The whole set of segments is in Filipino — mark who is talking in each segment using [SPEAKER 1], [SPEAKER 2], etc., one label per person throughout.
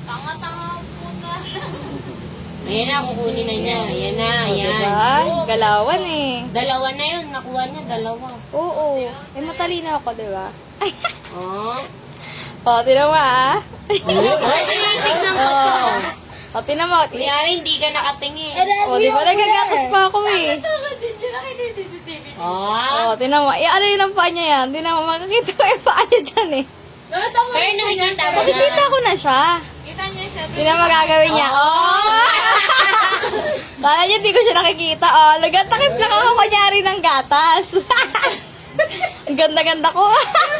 [SPEAKER 1] Tanga-tanga po na.
[SPEAKER 2] Ayan na, kukunin na niya. Ayan na, ayan.
[SPEAKER 3] Diba? Galawan eh.
[SPEAKER 2] Dalawa na yun, nakuha niya, dalawa.
[SPEAKER 3] Oo. Eh, matalino ako, diba? Ay,
[SPEAKER 2] Oh.
[SPEAKER 3] o, tinan mo ah.
[SPEAKER 2] Ay, tignan ko to.
[SPEAKER 3] O, tinan mo.
[SPEAKER 2] Kunyari, hindi ka nakatingin.
[SPEAKER 3] O, di ba nagagatas pa ako eh.
[SPEAKER 1] Tama din siya. Nakita yung CCTV.
[SPEAKER 2] Oh.
[SPEAKER 3] O, tinan mo. Eh, ano yun ang paa niya yan? Tinan mo, makakita ko yung paa niya dyan eh.
[SPEAKER 1] Nakita mo
[SPEAKER 2] Pero
[SPEAKER 1] rin siya
[SPEAKER 2] nakikita
[SPEAKER 1] niya.
[SPEAKER 2] mo na.
[SPEAKER 3] Makikita ko na siya.
[SPEAKER 1] Kita niya siya.
[SPEAKER 3] Tinan mo gagawin niya. Oh! Kala niya di ko siya nakikita. Oh, nagatakip lang ako kunyari ng gatas. Ang ganda-ganda ko.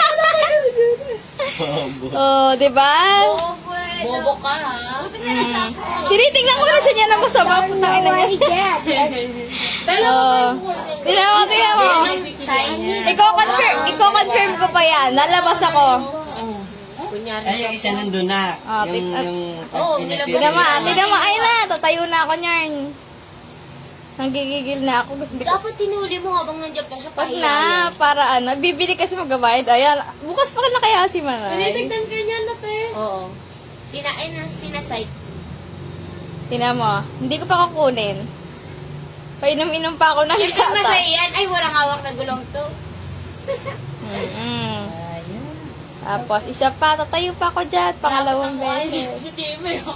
[SPEAKER 3] Oh, di ba?
[SPEAKER 1] Bobo eh.
[SPEAKER 2] Bobo ka, ha?
[SPEAKER 3] Tinitingnan ko na siya niya na masama. Putangin na niya. Oh. Tingnan mo, tingnan mo. Iko-confirm ko pa yan. Nalabas ako.
[SPEAKER 2] Kunyari.
[SPEAKER 4] Ay, yung isa nandun na.
[SPEAKER 3] Ah,
[SPEAKER 2] Oo, nilabas
[SPEAKER 3] Tingnan mo, tingnan mo. Ay na, tatayo na ako niyan. Nanggigigil na ako. Gusto ko.
[SPEAKER 2] Dapat tinuli mo habang nandiyan pa siya.
[SPEAKER 3] Wag na, para ano. Bibili kasi magabayad. Ayan, bukas pa na kaya si Manay.
[SPEAKER 1] Tinitignan ka niya na, te.
[SPEAKER 2] Oo. Sinasite.
[SPEAKER 3] Tingnan mo, hindi ko pa kukunin. Painom-inom pa ako ng
[SPEAKER 2] Siyempre
[SPEAKER 3] gatas.
[SPEAKER 2] masaya yan. Ay, walang hawak na gulong to.
[SPEAKER 3] Mm-mm. Tapos, isa pa, tatayo pa ako dyan. Pangalawang beses.
[SPEAKER 1] CCTV mo.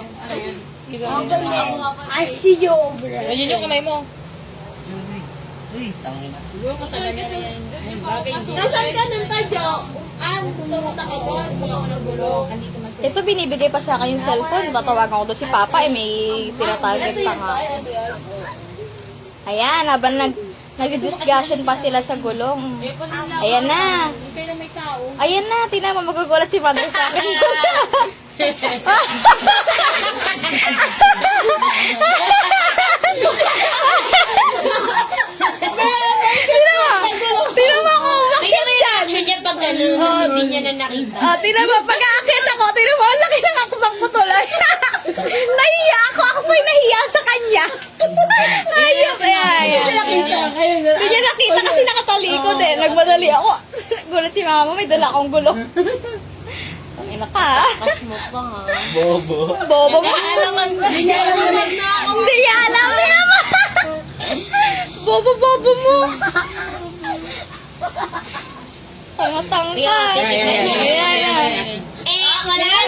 [SPEAKER 2] I see you over there.
[SPEAKER 1] Ayun yung kamay mo.
[SPEAKER 4] Uy, tangin na.
[SPEAKER 1] Nasaan ka ng tadyo? Pumunta ka doon. Pumunta ka ng gulong.
[SPEAKER 3] Ito, binibigay pa sa akin yung cellphone. Tatawagan ko doon si Papa, eh, may tinatarget pa nga. Ayan, habang nag-discussion pa sila sa gulong. Ayan na. Ayan na, tingnan mo, magugulat si Mother sa akin. Tingnan mo ako,
[SPEAKER 2] Kaya may reaction niya pag gano'n, hindi niya na nakita.
[SPEAKER 3] tingnan mo, pag-aakit ako, tingnan mo, ang laki ng akbang ko tuloy. Nahiya ako, ako po'y nahiya sa kanya. Nahiya kaya. Hindi niya nakita kasi nakatalikod eh. Nagmadali ako. Gulat si mama, may dala akong gulong. Tangina ka ha.
[SPEAKER 2] Pas mo pa, ha?
[SPEAKER 4] Bobo.
[SPEAKER 3] Bobo mo.
[SPEAKER 1] Hindi niya alam na ako.
[SPEAKER 3] Hindi niya alam naman. Bobo mo. Tanga-tanga.
[SPEAKER 2] Ayan,
[SPEAKER 3] Ayan.
[SPEAKER 2] wala